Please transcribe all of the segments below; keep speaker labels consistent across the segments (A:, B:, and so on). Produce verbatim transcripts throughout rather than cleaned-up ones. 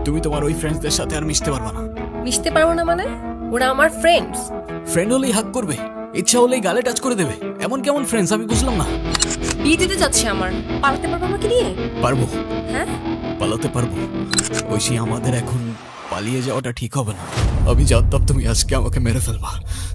A: তুমি তোমার ওই ফ্রেন্ডসদের সাথে আর মিশতে পারবে না।
B: মিশতে পারবো না মানে? ওরা আমার ফ্রেন্ডস।
A: ফ্রেন্ড হলেই হাক করবে, ইচ্ছা হলেই গালে টাচ করে দেবে, এমন কেমন ফ্রেন্ডস আমি বুঝলাম না।
B: বিয়ে দিতে যাচ্ছে আমার, পালাতে পারবো আমাকে নিয়ে?
A: পারবো,
B: হ্যাঁ
A: পালাতে পারবো। ঐশী, আমাদের এখন পালিয়ে যাওয়াটা ঠিক হবে না। আমি জানতাম তুমি আজকে আমাকে মেরে ফেলবা।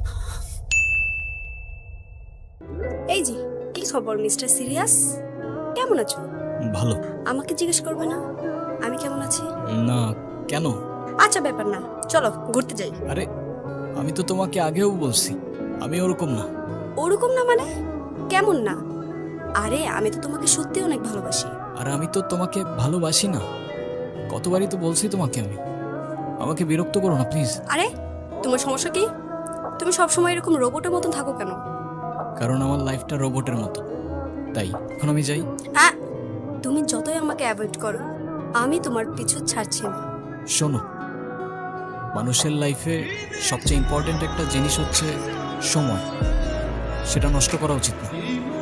C: এই জি, কি খবর মিস্টার সিরিয়াস? কেমন আছো?
A: ভালো
C: আমাকে জিজ্ঞেস করবে না আমি কেমন আছি?
A: না, কেন?
C: আচ্ছা ব্যাপার না, চলো ঘুরতে যাই।
A: আরে আমি তো তোমাকে আগেও বলছি আমি ওরকম না।
C: ওরকম না মানে? কেমন না? আরে আমি তো তোমাকে সত্যি অনেক ভালোবাসি।
A: আর আমি তো তোমাকে ভালোবাসি না, কতবারই তো বলছি তোমাকে আমি। আমাকে বিরক্ত করো না প্লিজ।
C: আরে তোমার সমস্যা কি? তুমি সবসময় এরকম রোবটের মতন থাকো কেন?
A: কারণ আমার লাইফটা রোবটের মতো, তাই এখন আমি যাই।
C: হ্যাঁ, তুমি যতই আমাকে অ্যাভয়েড করো আমি তোমার পিছু ছাড়ছি না।
A: শোনো, মানুষের লাইফে সবচেয়ে ইম্পর্ট্যান্ট একটা জিনিস হচ্ছে সময়, সেটা নষ্ট করা উচিত না।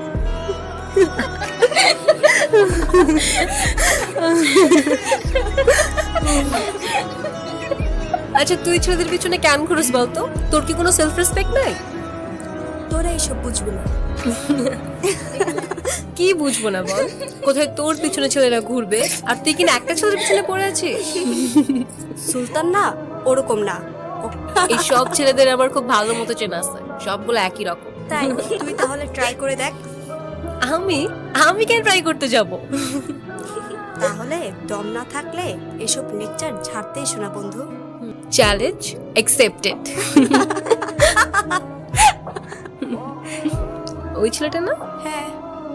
B: আচ্ছা, তুই ছেলেদের পিছনে কেন ঘুরস বলতো? তোর কি কোনো সেলফ রেসপেক্ট নাই?
C: তোরা এইসব বুঝবে না।
B: কি বুঝবো না বল? কোথায় তোর পিছনে ছেলেরা ঘুরবে আর তুই কিনা একটা ছেলের পিছনে পড়ে আছিস?
C: সুলতান না ওরকম না।
B: এই সব ছেলেদের আমার খুব ভালো মতো চেনা আছে, সবগুলো একই রকম।
C: তাই তুই তাহলে ট্রাই করে দেখ।
B: আমি আমি কেন ট্রাই করতে যাব?
C: তাহলে দম না থাকলে এসব লেকচার ঝাড়তেই শোনা বন্ধু।
B: Challenge accepted. ওই ছেলেটা না?
C: হ্যাঁ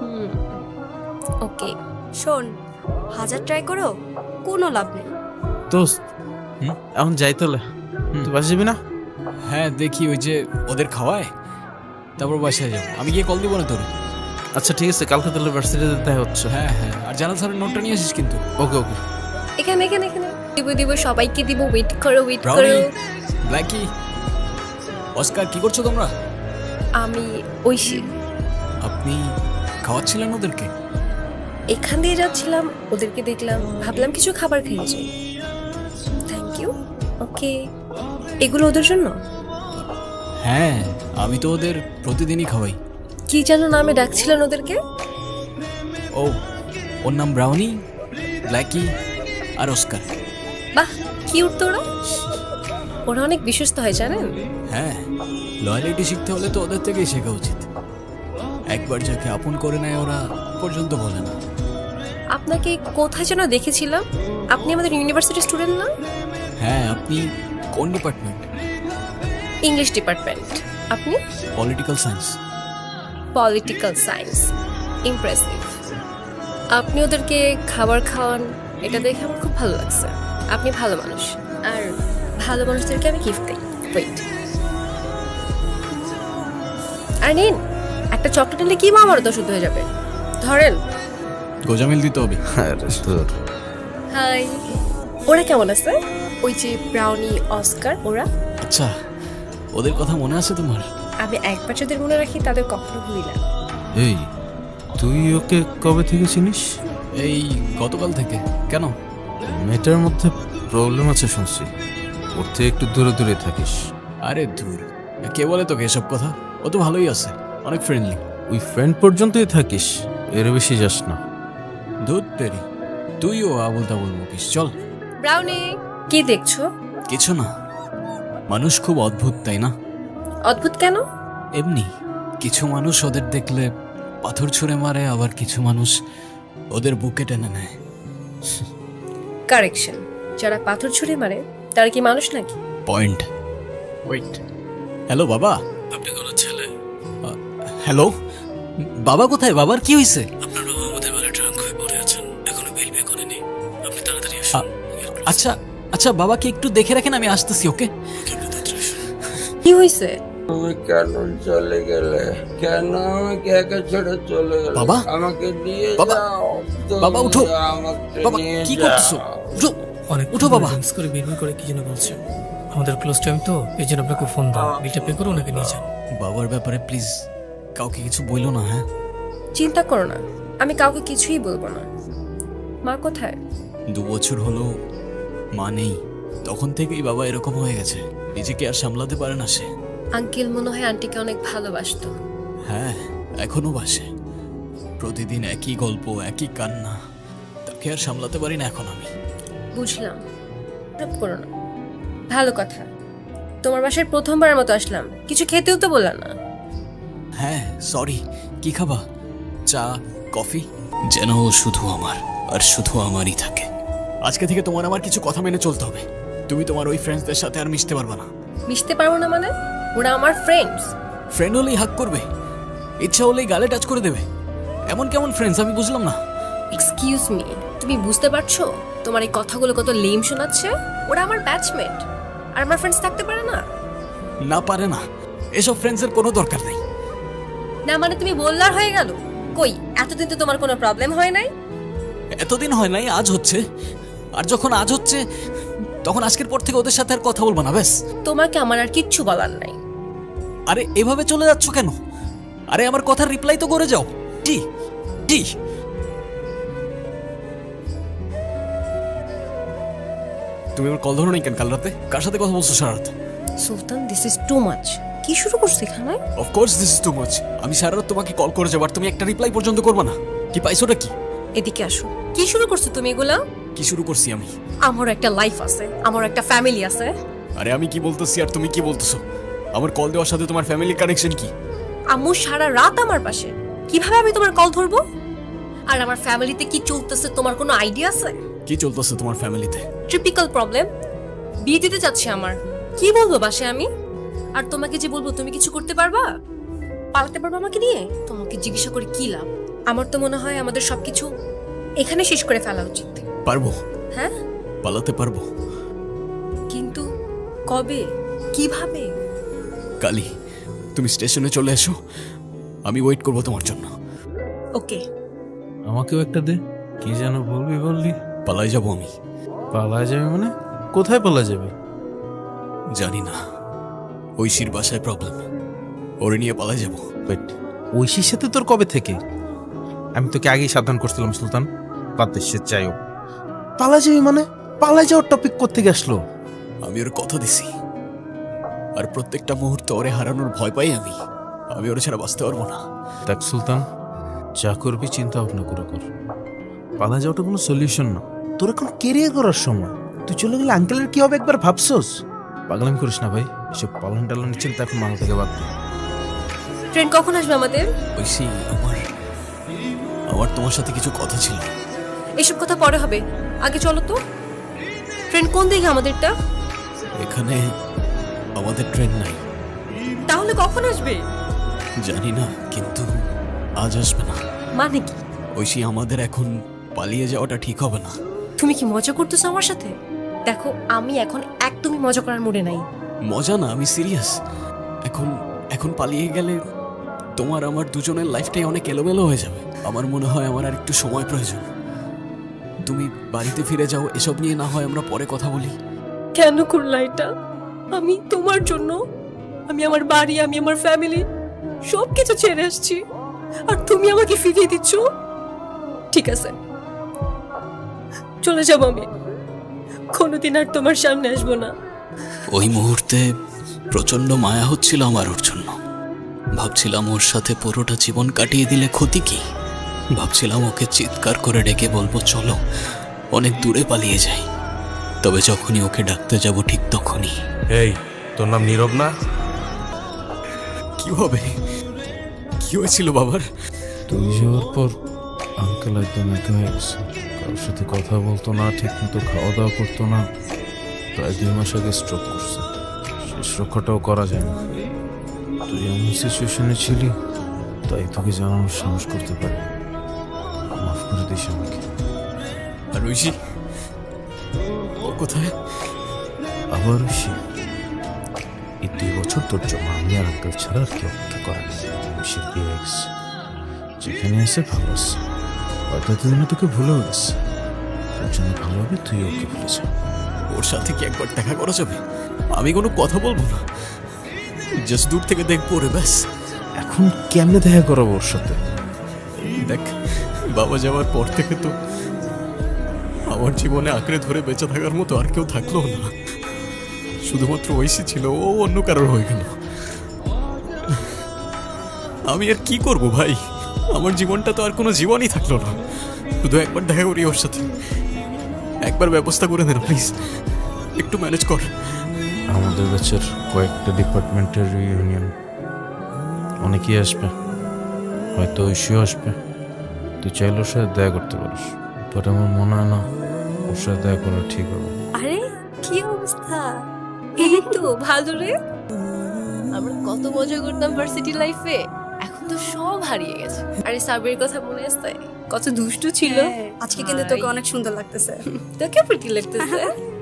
B: ওকে,
C: শোন, হাজার ট্রাই করো কোনো লাভ নেই।
D: দোস্ত, এখন যাই তোলে, তুই বাসা যাবি না?
A: হ্যাঁ দেখি, ওই যে ওদের খাওয়ায়, তারপর বাসায় যাবো। আমি গিয়ে কল দিব না তোর?
D: আচ্ছা ঠিক আছে, কালকে তাহলে ভার্সিটিতে দেখা হচ্ছে।
A: হ্যাঁ হ্যাঁ, আর জানাল স্যারের নোটটা নিয়ে আসিস কিন্তু।
D: ওকে ওকে।
B: এখানে এখানে এখানে দিব দিব, সবাইকে দিব। ওয়েট করো ওয়েট করো।
A: ব্রাউনি, ব্ল্যাকি, অস্কার, কি করছো তোমরা?
B: আমি ঐশী।
A: আপনি খাওয়াচ্ছিলেন ওদেরকে?
B: এখান দিয়ে যাচ্ছিলাম, ওদেরকে দেখলাম, ভাবলাম কিছু খাবার খেয়ে যাই। Thank you. ওকে, এগুলো ওদের জন্য?
A: হ্যাঁ, আমি তো ওদের প্রতিদিনই খাওয়াই।
B: কি যেন নামে ডাকছিলেন ওদেরকে?
A: ও, ওর নাম ব্রাউনি, ব্ল্যাকি আর অস্কার।
B: বাহ, কিউট তো ওরা। ওরা অনেক বিশ্বস্ত হয় জানেন?
A: হ্যাঁ, লয়ালিটি শিখতে হলে তো ওদের থেকেই শেখা উচিত। একবার যাকে আপন করে নেয় ওরা পর্যন্ত বলে না।
B: আপনাকে কোথায় যেন দেখেছিলাম। আপনি আমাদের ইউনিভার্সিটি স্টুডেন্ট না?
A: হ্যাঁ, আপনি কোন ডিপার্টমেন্ট?
B: English department. আপনি?
A: Political science.
B: Political science, impressive. আপনি ওদেরকে খাবার খাওয়ান, এটা দেখে আমার খুব ভালো লাগছে। আপনি ভালো মানুষ, আর ভালো মানুষদেরকে আমি গিফট দিই। ওয়েট, আর নিন, একটা চকলেট নিলে কি মা আমার তো শুদ্ধ হয়ে যাবে। ধরেন।
A: গোজামিল দিতে হবে।
B: হাই, ওরা কেমন আছে? ওই যে ব্রাউনি, অস্কার, ওরা?
A: আচ্ছা, ওদের কথা মনে আছে তোমার?
B: আমি একবার যাদের মনে রাখি তাদের কখনো ভুলি না।
D: এই, তুই ওকে কবে থেকে চিনিস?
A: এই গতকাল থেকে। কেন?
D: মেয়েটার মধ্যে প্রবলেম আছে শুনছি, ওর থেকে একটু দূরে দূরে থাকিস।
A: আরে দূর, কে বলে তোকে এসব কথা? ও তো ভালোই আছে, অনেক ফ্রেন্ডলি।
D: ওই ফ্রেন্ড পর্যন্তই থাকিস, এর বেশি যাস না।
A: দুধ তেরি, তুইও আবল তাবল বকিস। চল।
B: ব্রাউনি, কি দেখছো?
A: কিছু না, মানুষ খুব অদ্ভুত তাই না?
B: অদ্ভুত কেন?
A: এমনি কিছু মানুষ ওদের দেখলে পাথর ছুঁড়ে মারে, আবার কিছু মানুষ ওদের বুকে টেনে নেয়।
B: কারেকশন, যারা পাথর ছুঁড়ে মারে তারা কি মানুষ নাকি?
A: পয়েন্ট। ওয়েট, হ্যালো বাবা।
D: আপনি কোন ছেলে?
A: হ্যালো বাবা, কোথায়? বাবার কি হয়েছে?
D: আপনার বাবা আমাদের বেলা ড্রাঙ্ক হয়ে পড়ে আছেন, এখনো বিল পে করেনি। আপনি তাড়াতাড়ি
A: আ- আচ্ছা আচ্ছা, বাবাকে একটু দেখে রাখেন, আমি আসতেছি। ওকে।
B: কি হয়েছে?
E: তুমি কেন চলে গেলে? কেন আমাকে একা ছেড়ে চলে গেলে?
A: বাবা?
E: আমাকে নিয়ে
A: বাবা?
E: যাও। তুমি
A: বাবা, উঠো।
E: আমাকে
A: বাবা,
E: নিয়ে
A: কি
E: যাও।
A: করতেছো? উঠো,
F: অনেক
A: উঠো বাবা।
F: ড্রিঙ্কস করে বিড়বিড় করে কি যেন বলছে। আমাদের ক্লোজ টাইম তো, এই জন্য আপনাকে ফোন দাও, বিলটা পে করে ওনাকে নিয়ে যান।
A: বাবার ব্যাপারে প্লিজ কাউকে কিছু বইলো না। হ্যাঁ,
B: চিন্তা করো না, আমি কাউকে কিছুই বলবো না। মা কোথায়?
A: দু বছর হলো মা নেই, তখন থেকেই বাবা এরকম হয়ে গেছে, নিজেকে আর সামলাতে পারে না সে।
B: আঙ্কেল মনে হয় আন্টিকে অনেক ভালোবাসতো।
A: হ্যাঁ, এখনো বাসে। প্রতিদিন একই গল্প, একই কান্না, তাকে আর সামলাতে পারি না এখন আমি।
B: বুঝলাম, খারাপ করো না। ভালো কথা, তোমার বাসায় প্রথমবারের মতো আসলাম, কিছু খেতেও তো বললা না।
A: হ্যাঁ সরি, কি খাবা? চা, কফি? যেন ও শুধু আমার আর শুধু আমারই থাকে। আজকে থেকে তোমার আমার কিছু কথা মেনে চলতে হবে। তুমি তোমার ওই ফ্রেন্ডসদের সাথে আর মিশতে পারবে না।
B: মিশতে পারবো না মানে? ওরা আমার ফ্রেন্ডস।
A: ফ্রেন্ড হলেই হাক করবে, ইচ্ছা হলেই গালে টাচ করে দেবে, এমন কেমন ফ্রেন্ডস আমি বুঝলাম না।
B: এক্সকিউজ মি, তুমি বুঝতে পারছো তোমার এই কথাগুলো কত লেম শোনাচ্ছে? ওরা আমার ব্যাচমেট, আর আমার ফ্রেন্ডস থাকতে পারে না?
A: না পারে না, এসব ফ্রেন্ডসের কোনো দরকার নেই।
B: না মানে তুমি বললার হয়ে গেল? কই, এতদিন তো তোমার কোনো প্রবলেম হয় নাই।
A: এতদিন হয় নাই, আজ হচ্ছে। আর যখন আজ হচ্ছে, তখন আজকের পর থেকে ওদের সাথে আর কথা বলবো না, ব্যাস।
B: তোমাকে আমার আর কিচ্ছু বলার নাই।
A: আরে এভাবে চলে যাচ্ছ কেন? আরে আমার কথার রিপ্লাই তো করে যাও। জি জি। তুমি আমার কল ধরো নাই কেন কাল রাতে? কার সাথে কথা বলছো সারা রাত?
B: Sultan, this is too much. কি শুরু করছো এখানে?
A: Of course this is too much. আমি সারা রাত তোমাকে কল করে যাবো আর তুমি একটা রিপ্লাই পর্যন্ত করবে না। কি পাইছোটা কি?
B: এদিকে আসো। কি শুরু করছো তুমি এগুলা?
A: কি শুরু করছি আমি?
B: আমার একটা লাইফ আছে, আমার একটা ফ্যামিলি আছে।
A: আরে আমি কি বলতেছি আর তুমি কি বলতেছো? আমার কল দেওয়ার সাথে তোমার ফ্যামিলির কানেকশন কি?
B: আম্মু সারা রাত আমার পাশে, কিভাবে আমি তোমার কল ধরবো? আর আমার ফ্যামিলিতে কি চলতেছে তোমার কোনো আইডিয়া আছে?
A: কি চলতেছে তোমার ফ্যামিলিতে?
B: Typical problem. বিয়ে দিতে যাচ্ছে আমার, কি বলবো বাসে আমি? আর তোমাকে যে বলবো তুমি কিছু করতে পারবা? পালাতে পারবো আমাকে নিয়ে? তোমাকে জিজ্ঞাসা করে কি লাভ? আমার তো মনে হয় আমাদের সবকিছু এখানে শেষ করে ফেলা উচিত।
A: পারবো,
B: হ্যাঁ
A: পালাতে পারবো,
B: কিন্তু কবে, কিভাবে?
A: কালি তুমি স্টেশনে চলে এসো, আমি ওয়েট করবো তোমার জন্য।
B: ওকে।
D: আমাকেও একটা দে। কি যেন বলবি বললি?
A: পালাই যাবো আমি।
D: পালা যাবে মানে? কোথায় পালা যাবে?
A: জানি না, ঐশীর বাসায় প্রবলেম, ওরে নিয়ে পালাই যাবো।
D: ওয়েট, ঐশীর সাথে তোর কবে থেকে? আমি তোকে আগেই সাবধান করছিলাম সুলতান, বাদ দে, সে চাইও। পালা যাবি মানে? পালা যাওয়ার টপিক কোত্থেকে আসলো?
A: আমি ওর কথা দিছি, আর প্রত্যেকটা মুহূর্তে ওরে হারানোর ভয় পাই আমি। আমি ওরে ছাড়া বাঁচতে পারবো না।
D: দেখ সুলতান, যা করবি চিন্তা ভাবনা করে কর। পালা যাওয়াটা কোনো সলিউশন না। তোর এখন কেরিয়ার করার সময়। তুই চলে গেলে আঙ্কেলের কি হবে একবার ভাবছোস? পাগলামি করিস না ভাই, এসব পালন টালনের চিন্তা এখন মাথা থেকে বাদ দে।
B: ট্রেন কখন আসবে আমাদের?
A: ঐশী, আমার আমার তোমার সাথে কিছু কথা ছিল।
B: এসব কথা পরে হবে, আগে চলো তো। ট্রেন কোন দিকে আমাদেরটা?
A: এখানে আমাদের ট্রেন নাই।
B: তাহলে কখন আসবে?
A: জানি না, কিন্তু আজ আসবে না।
B: মানে কি?
A: ঐশী, আমাদের এখন পালিয়ে যাওয়াটা ঠিক হবে না।
B: তুমি কি মজা করতেছো আমার সাথে? দেখো, আমি এখন একদমই মজা করার মুডে নাই।
A: মজা না, আমি সিরিয়াস। এখন এখন পালিয়ে গেলে তোমার আমার দুজনের লাইফটাই অনেক এলোমেলো হয়ে যাবে। আমার মনে হয় আমার আর একটু সময় প্রয়োজন। তুমি বাড়িতে ফিরে যাও, এসব নিয়ে না হয় আমরা পরে কথা বলি।
B: কেন করলা এটা? আমি তোমার জন্য, আমি আমার বাড়ি, আমি আমার ফ্যামিলি সব কিছু ছেড়ে আসছি, আর তুমি আমাকে ফিরিয়ে দিচ্ছ? ঠিক আছে, চলে যাবো আমি, কোনোদিন আর তোমার সামনে আসবো না।
A: ওই মুহূর্তে প্রচন্ড মায়া হচ্ছিল আমার ওর জন্য। ভাবছিলাম ওর সাথে পুরোটা জীবন কাটিয়ে দিলে ক্ষতি কি। ভাবছিলাম ওকে চিৎকার করে ডেকে বলবো চলো অনেক দূরে পালিয়ে যাই। তবে যখনই ওকে ডাকতে যাব ঠিক তখনই।
G: এই, তোর নাম নীরব না?
A: কি হবে? কি হয়েছিল বাবার?
D: তুই যাওয়ার পর আঙ্কেল একদম একা হয়ে গেছে। কারোর সাথে কথা বলতো না, ঠিক মতো খাওয়া দাওয়া করতো না। প্রায় দুই মাস আগে স্ট্রোক করছে। শেষ রক্ষাটাও করা যায় না। তুই এমন সিচুয়েশনে ছিলি, তাই তোকে জানানোর সাহস করতে পারি। মাফ করে দিস আমাকে।
A: আর ঐশী, ও কোথায়?
D: আবার ঐশী, এই দুই বছর তোর জন্য আমি আর আঙ্কেল ছাড়া আর কি অপেক্ষা করা নেই। ঐশীর বিয়ে হয়ে গেছে, যেখানে আছে ভালো আছে। হয়তো এতদিনে তোকে ভুলেও গেছে। তোর জন্য ভালো হবে তুই ওকে ভুলে যা।
A: ওর সাথে কি একবার দেখা করা যাবে? আমি কোনো কথা বলবো না, জাস্ট দূর থেকে দেখবো রে, ব্যাস।
D: এখন কেমনে দেখা করাবো ওর সাথে?
A: দেখ, বাবা যাওয়ার পর থেকে তো আমার জীবনে আঁকড়ে ধরে বেঁচে থাকার মতো আর কেউ থাকলো না, শুধুমাত্র ঐশী ছিল, ও অন্য কারোর হয়ে গেল। আমি আর কি করব ভাই, আমার জীবনটা তো আর কোনো জীবনই থাকলো না। শুধু একবার দেখা করি ওর সাথে, একবার ব্যবস্থা করে দে না প্লিজ, একটু ম্যানেজ কর।
D: আমাদের ব্যাচের কয়েকটা ডিপার্টমেন্টের রিউনিয়ন, অনেকেই আসবে, হয়তো ঐশীও আসবে। তুই চাইলে ওর সাথে দেখা করতে পারিস, বাট আমার মনে হয় না ওর সাথে দেখা করা ঠিক হবে।
C: আরে কি অবস্থা?
B: এই তো ভালো রে। আমরা কত মজা করতাম ভার্সিটি লাইফে, এখন তো সব হারিয়ে গেছে। আরে সাবির কথা মনে আছে, কত দুষ্টু ছিল।
C: হ্যাঁ, আজকে কিন্তু তোকে অনেক সুন্দর লাগতেছে।
B: তোকে প্রিটি লাগতেছে।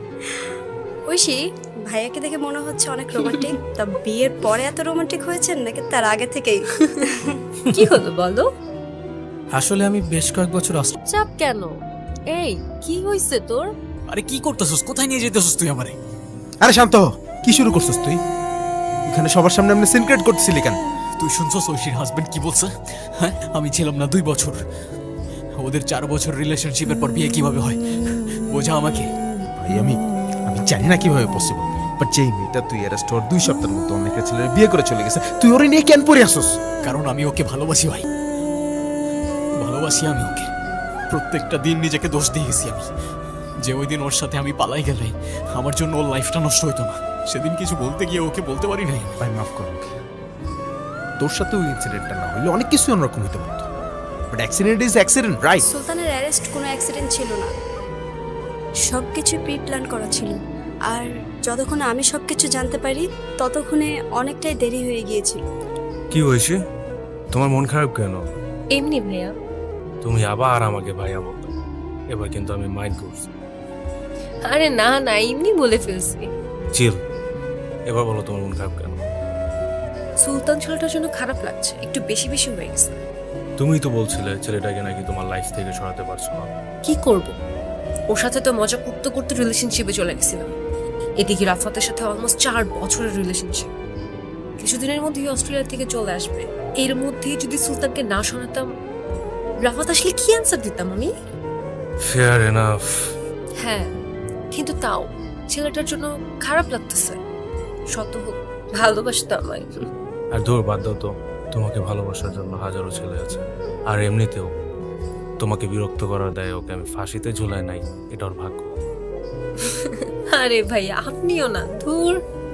C: ঐশী, ভাইয়াকে দেখে মনে হচ্ছে অনেক রোমান্টিক। তা বিয়ের পরে এত রোমান্টিক হয়েছেন নাকি তার আগে থেকেই?
B: কি হলো বলো?
F: আসলে আমি বেশ কয়েক বছর অস্ট্রেলিয়া
B: চাপ কেন? এই কি হইছে তোর?
A: আরে কি করতেছস, কোথায় নিয়ে যেতেছস তুই আমারে?
G: আরে শান্ত হ। কি শুরু করছিস তুই? এখানে সবার সামনে আপনি সিনক্রেট করতেছিলি কেন?
A: তুই শুনছস ঐশীর হাজবেন্ড কি বলছে? হ্যাঁ, আমি ছিলাম না দুই বছর, ওদের চার বছর রিলেশনশিপের পর বিয়ে কিভাবে হয় বোঝা আমাকে।
G: ভাই আমি আমি জানি না কিভাবে পসিবল, বাট যেই মেয়েটা তুই অ্যারেস্ট হওয়ার দুই সপ্তাহের মতো অন্য একটা ছেলের বিয়ে করে চলে গেছে, তুই ওরে নিয়ে কেন পড়ে আসোস?
A: কারণ আমি ওকে ভালোবাসি ভাই, ভালোবাসি আমি ওকে। প্রত্যেকটা দিন নিজেকে দোষ দিয়ে গেছি আমি, যে ওই দিন ওর সাথে আমি পালাই গেলে আমার জন্য ওর লাইফটা নষ্ট হইতো না। সেদিন কিছু বলতে গিয়ে ওকে বলতে পারি নাই।
G: ভাই মাফ কর ওকে। তোর সাথে ওই ইনসিডেন্টটা না হইলে অনেক কিছু অন্যরকম হইতে পারতো, but accident is accident, right?
C: সুলতানের অ্যারেস্ট কোনো অ্যাক্সিডেন্ট ছিল না, সব কিছু প্রি প্ল্যান করা ছিল। আর যতক্ষণে আমি সব কিছু জানতে পারি ততক্ষণে অনেকটাই দেরি হয়ে গিয়েছিল।
G: কি হয়েছে? তোমার মন খারাপ কেন?
B: এমনি ভাইয়া।
G: তুমি আবার আমাকে ভাইয়া বলতো, এবার কিন্তু আমি মাইন্ড করছি।
B: আরে না না, এমনি বলে ফেলছি।
G: চিল, এবার বলো তোমার মন খারাপ কেন?
B: সুলতান ছেলেটার জন্য খারাপ লাগছে, একটু বেশি বেশি হয়ে গেছে।
G: তুমিই তো বলছিলে ছেলেটাকে নাকি তোমার লাইফ থেকে সরাতে পারছো না।
B: কি করব, ওর সাথে তো মজা করতে করতে রিলেশনশিপে চলে গেছিলাম। এদিকে রাফাতের সাথে অলমোস্ট চার বছরের রিলেশনশিপ, কিছুদিনের মধ্যেই অস্ট্রেলিয়া থেকে চলে আসবে। এর মধ্যে যদি সুলতানকে না শোনাতাম, রাফাত আসলে কি অ্যান্সার দিতাম আমি?
G: Fair enough.
B: হ্যাঁ, কিন্তু তাও ছেলেটার জন্য খারাপ লাগতেছে। শত হোক ভালোবাসতো আমায়।
G: আর দূর বাদ দাও তো, তোমাকে ভালোবাসার জন্য হাজারো ছেলে আছে। আর এমনিতেও তোমাকে বিরক্ত করার দায়ে ওকে আমি ফাঁসিতে ঝুলাই নাই, এটা ওর ভাগ্য।
B: আরে ভাই আপনিও না, ধুর।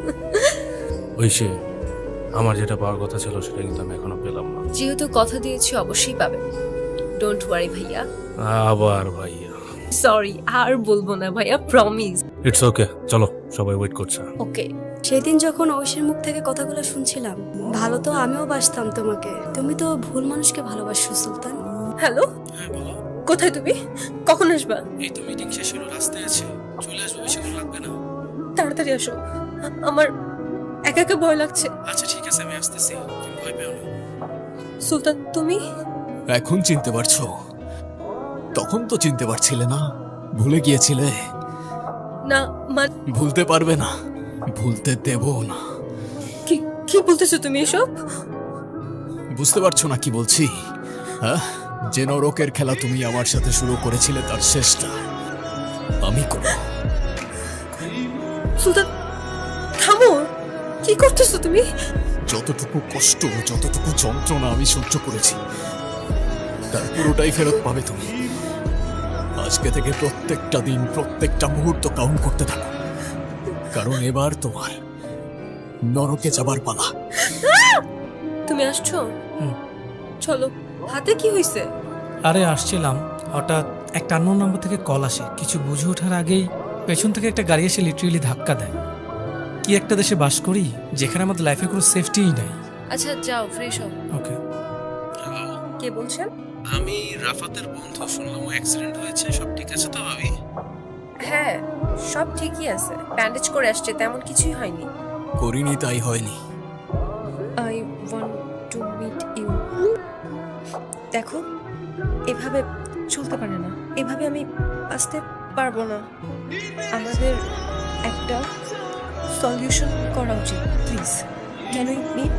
G: ঐশী, আমার যেটা পাওয়ার কথা ছিল সেটা কিন্তু আমি এখনো পেলাম না।
B: যেহেতু কথা দিয়েছি অবশ্যই পাবেন, ডোন্ট ওয়ারি ভাইয়া।
G: আবার ভাইয়া।
B: সরি, আর বলবো না ভাইয়া, প্রমিস।
G: ইটস ওকে, চলো সবাই ওয়েট করছে।
B: ওকে।
C: সেদিন যখন ঐশীর মুখ থেকে কথাগুলো শুনছিলাম, ভালো তো আমিও বাসতাম তোমাকে, তুমি তো ভুল মানুষকে ভালোবাসো সুলতান।
B: হ্যালো, কোথায় তুমি? কখন আসবা?
A: এই তো মিটিং শেষ হলো, রাস্তায় আছে, চলে আসবো, বেশিক্ষণ লাগবে না।
B: তাড়াতাড়ি আসো, আমার একা একা ভয় লাগছে।
A: আচ্ছা ঠিক আছে, আমি আসতেছি, তুমি ভয় পেও না।
B: সুলতান তুমি?
A: এখন চিনতে পারছো? তখন তো চিনতে পারছিলে না, ভুলে গিয়েছিলে।
B: না মানে
A: ভুলতে পারবে না, ভুলতে দেব না।
B: কি কি বলতেছো তুমি এসব?
A: বুঝতে পারছো না কি বলছি? হ্যাঁ, যে নরকের খেলা তুমি আমার সাথে শুরু করেছিলে তার শেষটা আমি করব।
B: সুলতান থামো, কি করতেছো তুমি?
A: যতটুকু কষ্ট, যতটুকু যন্ত্রণা আমি সহ্য করেছি তার পুরোটাই ফেরত পাবে তুমি। আজকে থেকে প্রত্যেকটা দিন, প্রত্যেকটা মুহূর্ত কাউন্ট করতে থাকো, কারণ এবার তোমার নরকে যাবার পালা।
B: তুমি আসছো?
F: হুম।
B: চলো। হাতে কি হয়েছে?
F: আরে আসছিলাম, হঠাৎ একটা আননোন নাম্বার থেকে কল আসে। কিছু বুঝে ওঠার আগেই পেছন থেকে একটা গাড়ি এসে লিটারেলি ধাক্কা দেয়। কি একটা দেশে বাস করি যেখানে আমাদের লাইফের কোনো সেফটিই নাই।
B: আচ্ছা যাও, ফ্রেশ হও।
F: ওকে।
B: কে বলছেন?
D: আমি রাফাতের বন্ধু, শুনলাম অ্যাক্সিডেন্ট হয়েছে, সব ঠিক আছে তো ভাবি?
B: হ্যাঁ, সব ঠিকই আছে, ব্যান্ডেজ করে আসছে, তেমন কিছুই হয়নি।
A: করিনি তাই হয়নি।
B: I want to meet you. দেখো, এভাবে চলতে পারে না, এভাবে আমি আসতে পারবো না। আমাদের একটা সলিউশন করা উচিত, please. Can we meet?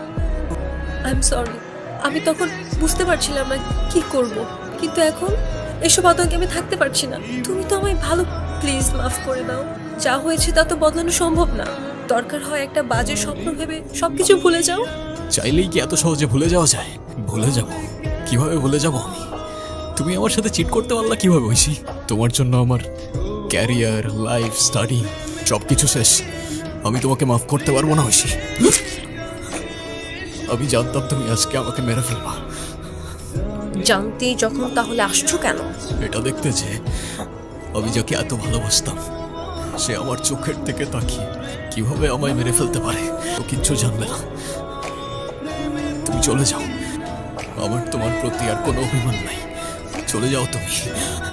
B: I am sorry, আমি তখন বুঝতে পারছিলাম না কি করব, কিন্তু এখন এসব আতঙ্কে আমি থাকতে পারছি না। তুমি তো আমায় ভালো, প্লিজ মাফ করে দাও। যা হয়েছে তা তো বদলানো সম্ভব না। দরকার হয় একটা বাজে স্বপ্ন ভেবে সবকিছু ভুলে যাও।
A: চাইলেই কি এত সহজে ভুলে যাওয়া যায়? ভুলে যাব? কিভাবে ভুলে যাব আমি? তুমি আমার সাথে চিট করতে পারলা কিভাবে ঐশী? তোমার জন্য আমার ক্যারিয়ার, লাইফ, স্টাডি সব কিছু শেষ। আমি তোমাকে মাফ করতে পারবো না ঐশী। আমি জানতাম তুমি আজকে আমাকে মেরে ফেলবা।
B: জানতেই যখন তাহলে আসছো কেন?
A: এটা দেখতে যে আমি যাকে এত ভালোবাসতাম সে আমার চোখের থেকে তাকিয়ে কিভাবে আমায় মেরে ফেলতে পারে তো কিচ্ছু জানবে না। তুমি চলে যাও, আমার তোমার প্রতি আর কোনো অভিমান নাই। চলে যাও তুমি।